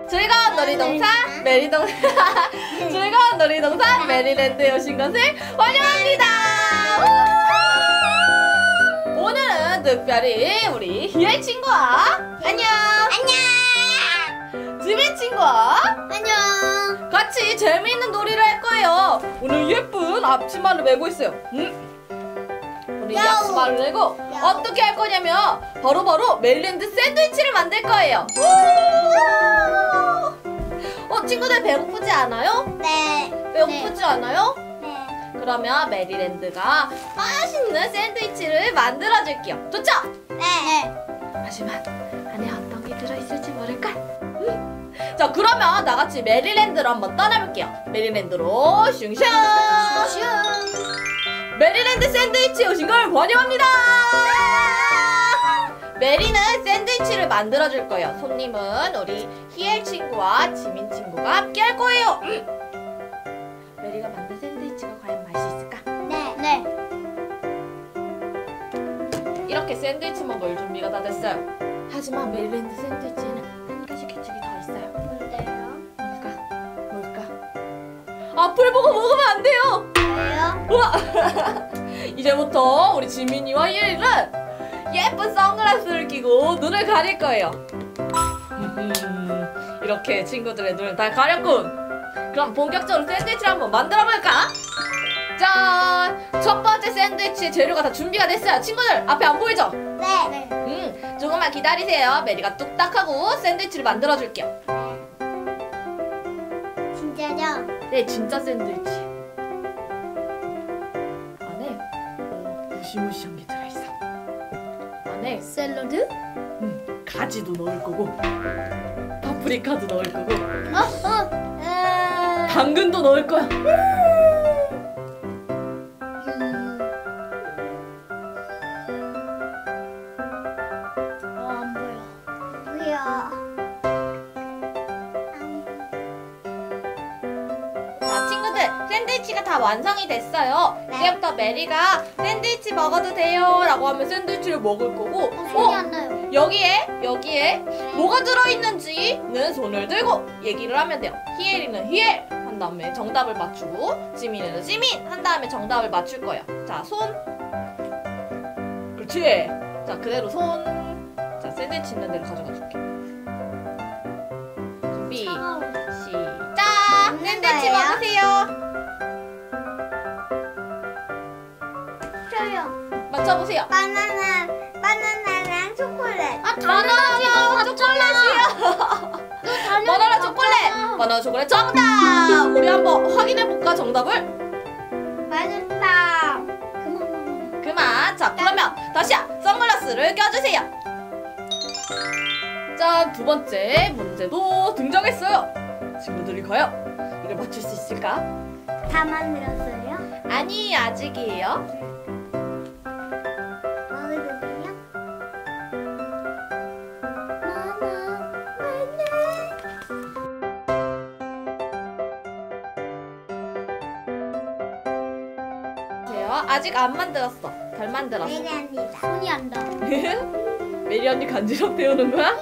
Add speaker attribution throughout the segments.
Speaker 1: 즐거운 놀이동산 즐거운 놀이동산 메리랜드에 오신 것을 환영합니다. 오늘은 특별히 우리 희애 친구와 안녕 지민 친구와
Speaker 2: 안녕.
Speaker 1: 같이 재미있는 놀이를 할 거예요. 오늘 예쁜 앞치마를 메고 있어요. 우리 이 앞치마를 메고 어떻게 할 거냐면 바로 메리랜드 샌드위치를 만들 거예요. 친구들 배고프지 않아요?
Speaker 2: 네.
Speaker 1: 배고프지 않아요?
Speaker 2: 네.
Speaker 1: 그러면 메리랜드가 맛있는 샌드위치를 만들어 줄게요. 좋죠?
Speaker 2: 네.
Speaker 1: 하지만 안에 어떤 게 들어있을지 모를걸? 자, 그러면 나같이 메리랜드로 한번 떠나볼게요. 메리랜드로 슝슝! 메리랜드 샌드위치에 오신 걸 환영합니다! 메리는 샌드위치를 만들어줄 거예요. 손님은 우리 희엘 친구와 지민 친구가 함께 할 거예요. 메리가 만든 샌드위치가 과연 맛이 있을까?
Speaker 2: 네.
Speaker 1: 이렇게 샌드위치 먹을 준비가 다 됐어요. 하지만 메리랜드 샌드위치에는 한 가지 규칙이 더 있어요.
Speaker 2: 뭔데요?
Speaker 1: 뭘까? 앞을 보고 먹으면 안 돼요.
Speaker 2: 왜요?
Speaker 1: 우와! 이제부터 우리 지민이와 희엘이는 예쁜 선글라스를 끼고 눈을 가릴 거예요. 이렇게 친구들의 눈을 다 가렸군. 그럼 본격적으로 샌드위치를 한번 만들어볼까? 짠! 첫 번째 샌드위치 재료가 다 준비가 됐어요. 친구들 앞에 안 보이죠?
Speaker 2: 네.
Speaker 1: 조금만 기다리세요. 메리가 뚝딱하고 샌드위치를 만들어줄게요.
Speaker 2: 진짜죠?
Speaker 1: 네, 진짜 샌드위치. 안에 무시무시한 게 들어있어. 안에
Speaker 2: 샐러드?
Speaker 1: 가지도 넣을 거고 파프리카도 넣을 거고 당근도 넣을 거야.
Speaker 2: 안 보여.
Speaker 1: 자, 친구들 샌드위치가 다 완성이 됐어요.
Speaker 2: 네.
Speaker 1: 이제부터 메리가 샌드위치 먹어도 돼요 라고 하면 샌드위치를 먹을 거고
Speaker 2: 소리 안 나요.
Speaker 1: 여기에 뭐가 들어있는지는 손을 들고 얘기를 하면 돼요. 희엘이는 희엘 한 다음에 정답을 맞추고 지민이는 지민 한 다음에 정답을 맞출 거예요. 자, 손. 그렇지. 자, 그대로 손. 자, 샌드위치 있는 데로 가져가 줄게. 준비 시작. 샌드위치
Speaker 2: 거예요?
Speaker 1: 먹으세요.
Speaker 2: 저요.
Speaker 1: 맞춰보세요.
Speaker 2: 바나나랑 초콜릿.
Speaker 1: 바나나 초콜릿이요. 바나나 초콜릿. 바나나 초콜릿 정답. 우리 한번 확인해볼까 정답을?
Speaker 2: 맛있다.
Speaker 1: 그만. 자, 그러면 다시 선글라스를 껴주세요. 짠, 두 번째 문제도 등장했어요. 친구들이 과연 이걸 맞출 수 있을까?
Speaker 2: 다 만들었어요?
Speaker 1: 아니, 아직이에요.
Speaker 2: 먹어도 돼요?
Speaker 1: 아직 안 만들었어. 덜 만들었어.
Speaker 2: 메리합니다. 손이 안 닿아.
Speaker 1: 메리 언니 간지럽 배우는 거야?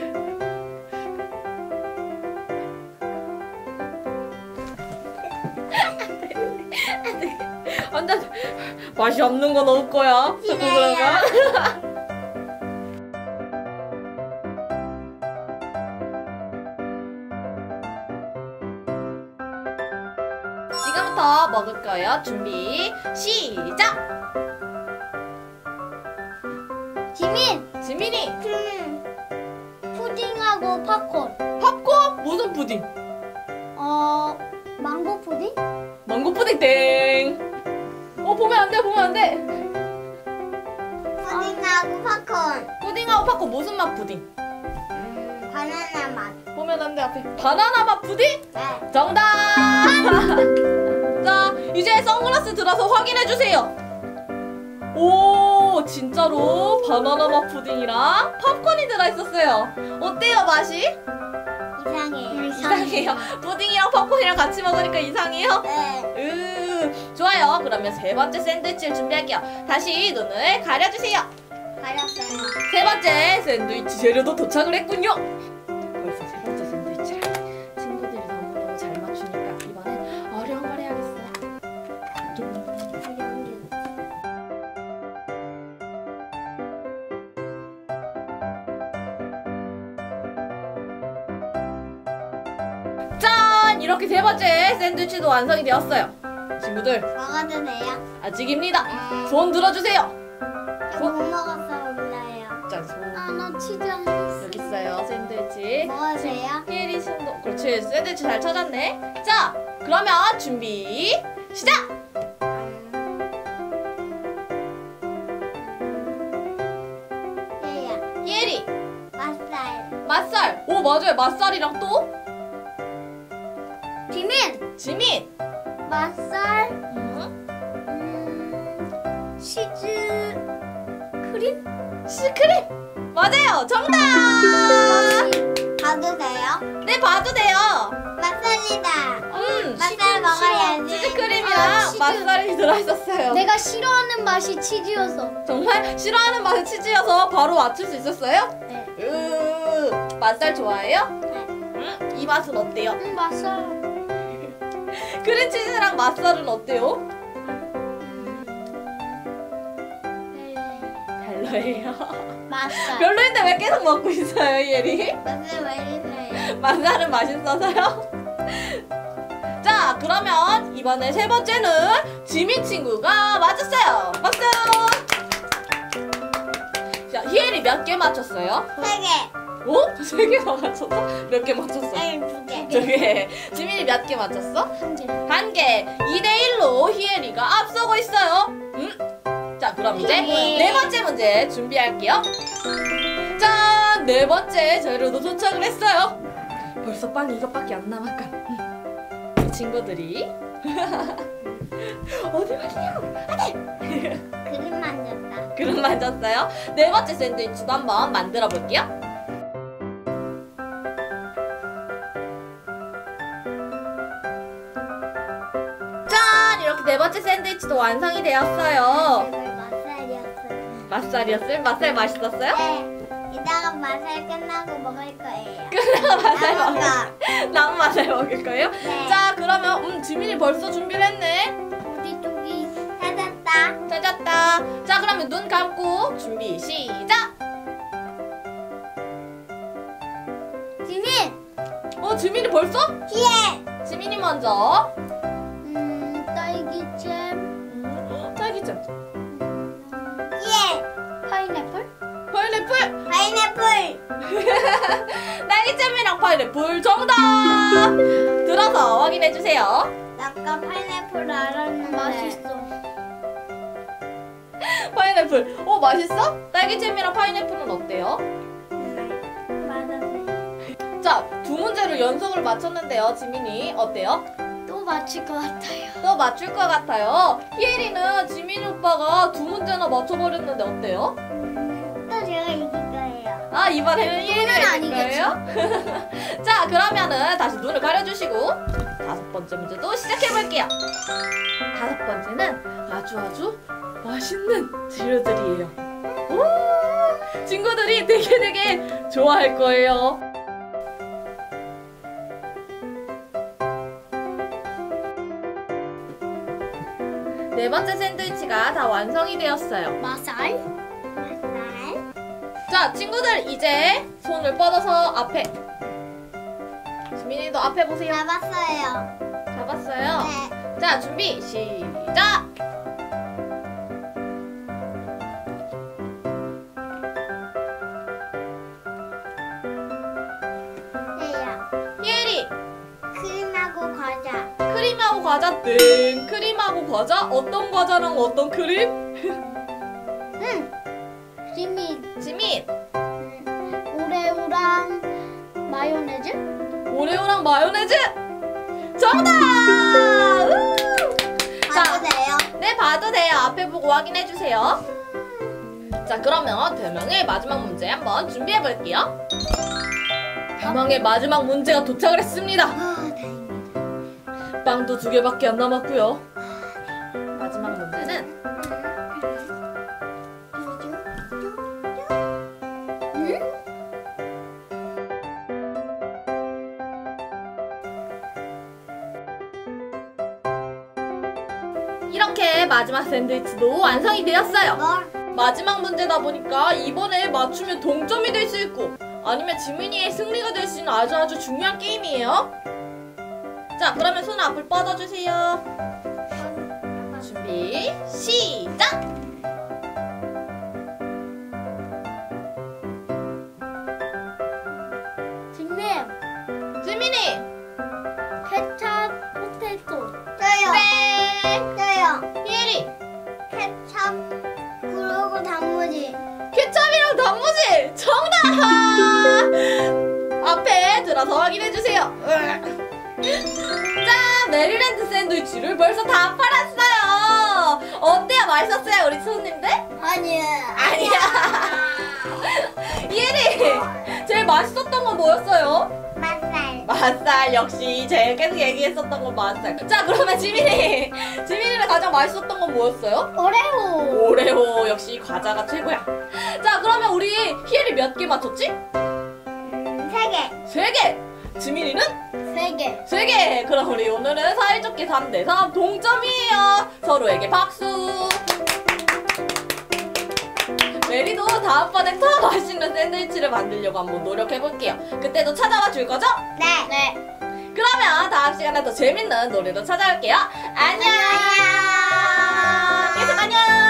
Speaker 1: 완전 맛이 없는 거 넣을 거야. 자꾸 그런가? 지금부터 먹을 거예요. 준비 시작. 지민이
Speaker 2: 푸딩하고 팝콘.
Speaker 1: 팝콘? 무슨 푸딩?
Speaker 2: 망고 푸딩?
Speaker 1: 망고 푸딩 땡. 보면 안 돼.
Speaker 2: 푸딩하고 팝콘.
Speaker 1: 푸딩하고 팝콘 무슨 맛 푸딩?
Speaker 2: 바나나 맛.
Speaker 1: 보면 안 돼. 앞에 바나나 맛 푸딩?
Speaker 2: 네.
Speaker 1: 정답. 자, 이제 선글라스 들어서 확인해 주세요. 오, 진짜로 바나나 맛 푸딩이랑 팝콘이 들어있었어요. 어때요, 맛이? 이상해요. 푸딩이랑 팝콘이랑 같이 먹으니까 이상해요?
Speaker 2: 네.
Speaker 1: 좋아요. 그러면 세 번째 샌드위치를 준비할게요. 다시 눈을 가려주세요.
Speaker 2: 가렸어요.
Speaker 1: 세 번째 샌드위치 재료도 도착을 했군요. 벌써 세 번째 샌드위치를 이렇게 세 번째 샌드위치도 완성이 되었어요. 친구들,
Speaker 2: 먹어도 돼요?
Speaker 1: 아직입니다. 손 들어주세요.
Speaker 2: 저 못 먹었어 몰라요.
Speaker 1: 자, 손.
Speaker 2: 나 치즈 안 했어.
Speaker 1: 여기 있어요, 샌드위치.
Speaker 2: 먹어도 돼요?
Speaker 1: 히에리 손도. 그렇지, 샌드위치 잘 찾았네. 자, 그러면 준비, 시작!
Speaker 2: 얘야.
Speaker 1: 히에리,
Speaker 2: 맛살.
Speaker 1: 맛살. 오, 맞아요. 맛살이랑 또?
Speaker 2: 지민.
Speaker 1: 지민.
Speaker 2: 맛살.
Speaker 1: 음,
Speaker 2: 치즈 크림.
Speaker 1: 시크릿. 맞아요. 정답!
Speaker 2: 봐도 돼요?
Speaker 1: 네, 봐도 돼요.
Speaker 2: 맛살이다. 맛살
Speaker 1: 치즈,
Speaker 2: 먹어야지.
Speaker 1: 치즈크림이랑
Speaker 2: 아, 치즈.
Speaker 1: 맛살이 들어있었어요.
Speaker 2: 내가 싫어하는 맛이 치즈여서.
Speaker 1: 정말 싫어하는 맛의 치즈여서 바로 맞출 수 있었어요?
Speaker 2: 네.
Speaker 1: 맛살 좋아해요?
Speaker 2: 네.
Speaker 1: 이 맛은 어때요?
Speaker 2: 맛살.
Speaker 1: 크림치즈랑 맛살은 어때요? 별로예요.
Speaker 2: 맛살.
Speaker 1: 별로인데 왜 계속 먹고 있어요, 예리?
Speaker 2: 맛살 왜 이래요?
Speaker 1: 맛살은 맛있어서요? 자, 그러면 이번에 세 번째는 지민 친구가 맞췄어요. 박수! 자, 희엘이 몇 개 맞췄어요?
Speaker 2: 3개.
Speaker 1: 어? 3개나 맞췄어? 몇 개 맞췄어?
Speaker 2: 아니 2개.
Speaker 1: 2개. 지민이 몇 개 맞췄어?
Speaker 2: 1개.
Speaker 1: 1개. 2대1로 희엘이가 앞서고 있어요. 자, 그럼 이제 네 번째 문제 준비할게요. 짠! 네 번째 재료도 도착을 했어요. 벌써 빵이 이것밖에 안 남았건. 이 친구들이 어디 가시냐고?
Speaker 2: 그림 만졌다.
Speaker 1: 그럼 만졌어요. 네 번째 샌드위치도 한번 만들어 볼게요. 짠! 이렇게 네 번째 샌드위치도 완성이 되었어요.
Speaker 2: 제발 맛살이었어.
Speaker 1: 맛살이었어요? 맛살 맛있었어요?
Speaker 2: 네. 이따가 맛살 끝나고 먹을 거예요.
Speaker 1: 끝나고 맛살
Speaker 2: 남은
Speaker 1: 먹을 남은 맛살 먹을 거예요?
Speaker 2: 네.
Speaker 1: 자, 그러면 지민이 벌써 준비를 했네.
Speaker 2: 우리 뚝이 찾았다.
Speaker 1: 찾았다. 자, 그러면 눈 감고 준비 시작.
Speaker 2: 지민.
Speaker 1: 지민이 벌써?
Speaker 2: 희애.
Speaker 1: 지민이 먼저.
Speaker 2: 딸기잼.
Speaker 1: 딸기잼.
Speaker 2: 희애. 파인애플.
Speaker 1: 파인애플.
Speaker 2: 파인애플.
Speaker 1: 딸기잼이랑 파인애플 정답. 들어서 확인해 주세요.
Speaker 2: 나 아까 파인애플 알았는데. 맛있어.
Speaker 1: 파인애플. 맛있어? 딸기잼이랑 파인애플은 어때요?
Speaker 2: 맞았네.
Speaker 1: 자, 두 문제를 연속으로 맞췄는데요. 지민이 어때요?
Speaker 2: 또 맞힐 것 같아요.
Speaker 1: 또 맞출 것 같아요. 희엘이는 지민이 오빠가 두 문제나 맞춰버렸는데 어때요?
Speaker 2: 또 제가 이길 거예요.
Speaker 1: 아, 이번에는 희엘이가 이길
Speaker 2: 아니겠죠?
Speaker 1: 거예요? 자, 그러면은 다시 눈을 가려주시고 다섯 번째 문제도 시작해볼게요. 다섯 번째는 아주 맛있는 재료들이에요. 오, 친구들이 되게 좋아할 거예요. 네 번째 샌드위치가 다 완성이 되었어요.
Speaker 2: 맛살. 맛살.
Speaker 1: 자, 친구들 이제 손을 뻗어서 앞에. 지민이도 앞에 보세요.
Speaker 2: 잡았어요.
Speaker 1: 잡았어요.
Speaker 2: 네.
Speaker 1: 자, 준비 시작.
Speaker 2: 네요.
Speaker 1: 희엘이
Speaker 2: 크림하고 과자.
Speaker 1: 크림하고 과자 땡. 크림하고 과자? 어떤 과자랑 어떤 크림?
Speaker 2: 지민.
Speaker 1: 지민
Speaker 2: 오레오랑 마요네즈.
Speaker 1: 오레오랑 마요네즈 정답!
Speaker 2: 봐도 돼요?
Speaker 1: 네, 봐도 돼요. 앞에 보고 확인해 주세요. 자, 그러면 대망의 마지막 문제 한번 준비해 볼게요. 대망의 마지막 문제가 도착을 했습니다.
Speaker 2: 다행이다.
Speaker 1: 빵도 2개밖에 안 남았고요. 마지막 문제는 이렇게 마지막 샌드위치도 완성이 되었어요. 마지막 문제다 보니까 이번에 맞추면 동점이 될 수 있고 아니면 지민이의 승리가 될 수 있는 아주 중요한 게임이에요. 자, 그러면 손 앞을 뻗어주세요. 준비, 시작!
Speaker 2: 닉네임
Speaker 1: 지민이!
Speaker 2: 케찹 포테이토. 저요.
Speaker 1: 땡!
Speaker 2: 저요.
Speaker 1: 희엘이!
Speaker 2: 케찹 그리고 단무지.
Speaker 1: 케첩이랑 단무지! 정답! 앞에 들어서 확인해주세요. 짠! 메릴랜드 샌드위치를 벌써 다 팔았어요! 어때요? 맛있었어요, 우리 손님들?
Speaker 2: 아니야.
Speaker 1: 아니야! 희엘이! 제일 맛있었던 건 뭐였어요?
Speaker 2: 맛살.
Speaker 1: 맛살. 역시 제일 계속 얘기했었던 건 맛살. 자, 그러면 지민이는 가장 맛있었던 건 뭐였어요?
Speaker 2: 오레오.
Speaker 1: 오레오. 역시 과자가 최고야. 자, 그러면 우리 희엘이 몇 개 맞췄지?
Speaker 2: 3개.
Speaker 1: 3개. 지민이는
Speaker 2: 3개.
Speaker 1: 3개. 그럼 우리 오늘은 사이좋게 3대3 동점이에요. 서로에게 박수. 메리도 다음번에 더 맛있는 샌드위치를 만들려고 한번 노력해볼게요. 그때도 찾아와 줄 거죠?
Speaker 2: 네. 네.
Speaker 1: 그러면 다음 시간에 더 재밌는 놀이로 찾아올게요. 안녕. 계속 안녕.